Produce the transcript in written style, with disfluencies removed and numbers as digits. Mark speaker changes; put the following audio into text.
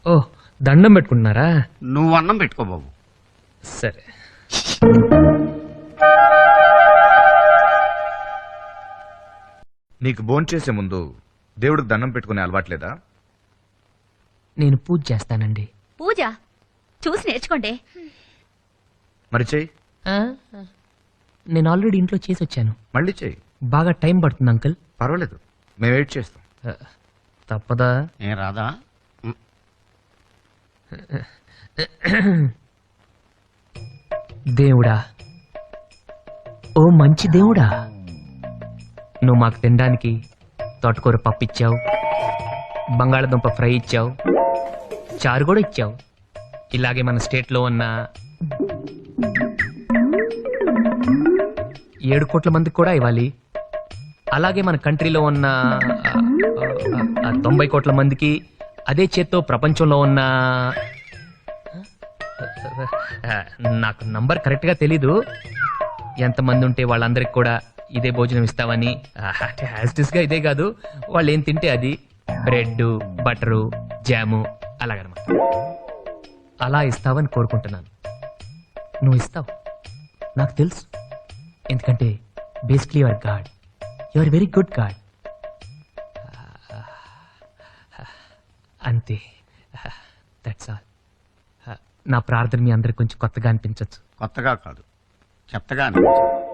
Speaker 1: ఓ దండం పెట్టుకుంటున్నారా?
Speaker 2: నువ్వు అన్నం పెట్టుకో బాబు.
Speaker 1: సరే.
Speaker 3: నీకు భోంచేసే ముందు దేవుడికి దండం పెట్టుకునే అలవాట్లేదా?
Speaker 1: నేను పూజ చేస్తానండి.
Speaker 4: పూజ చూసి నేర్చుకోండి.
Speaker 3: మరి చెయ్యి.
Speaker 1: నేను ఆల్రెడీ ఇంట్లో చేసి వచ్చాను.
Speaker 3: మళ్ళీ చెయ్యి.
Speaker 1: బాగా టైం పడుతుంది అంకుల్.
Speaker 3: పర్వాలేదు, మేము వెయిట్ చేస్తాం.
Speaker 1: తప్పదా?
Speaker 2: ఏ రాదా?
Speaker 1: దేవుడా, ఓ మంచి దేవుడా, నువ్వు మాకు తినడానికి తోటకూర పప్పు ఇచ్చావు, బంగాళదుంప ఫ్రై ఇచ్చావు, చారు కూడా ఇచ్చావు. ఇలాగే మన స్టేట్లో ఉన్న 7 కోట్ల మందికి కూడా ఇవ్వాలి. అలాగే మన కంట్రీలో ఉన్న 90 కోట్ల మందికి, అదే చేత్తో ప్రపంచంలో ఉన్న నాకు నంబర్ కరెక్ట్గా తెలీదు, ఎంతమంది ఉంటే వాళ్ళందరికి కూడా ఇదే భోజనం ఇస్తావని. గా ఇదే కాదు, వాళ్ళు ఏం తింటే అది, బ్రెడ్, బటరు, జాము అలాగనమాట. అలా ఇస్తావని కోరుకుంటున్నాను. నువ్వు ఇస్తావు, నాకు తెలుసు. ఎందుకంటే basically your god, your very good god. అంతే, దట్స్ ఆల్. నా ప్రార్థన మీ అందరికి కొంచెం కొత్తగా అనిపించవచ్చు.
Speaker 2: కొత్తగా కాదు, చెత్తగా అనిపించింది.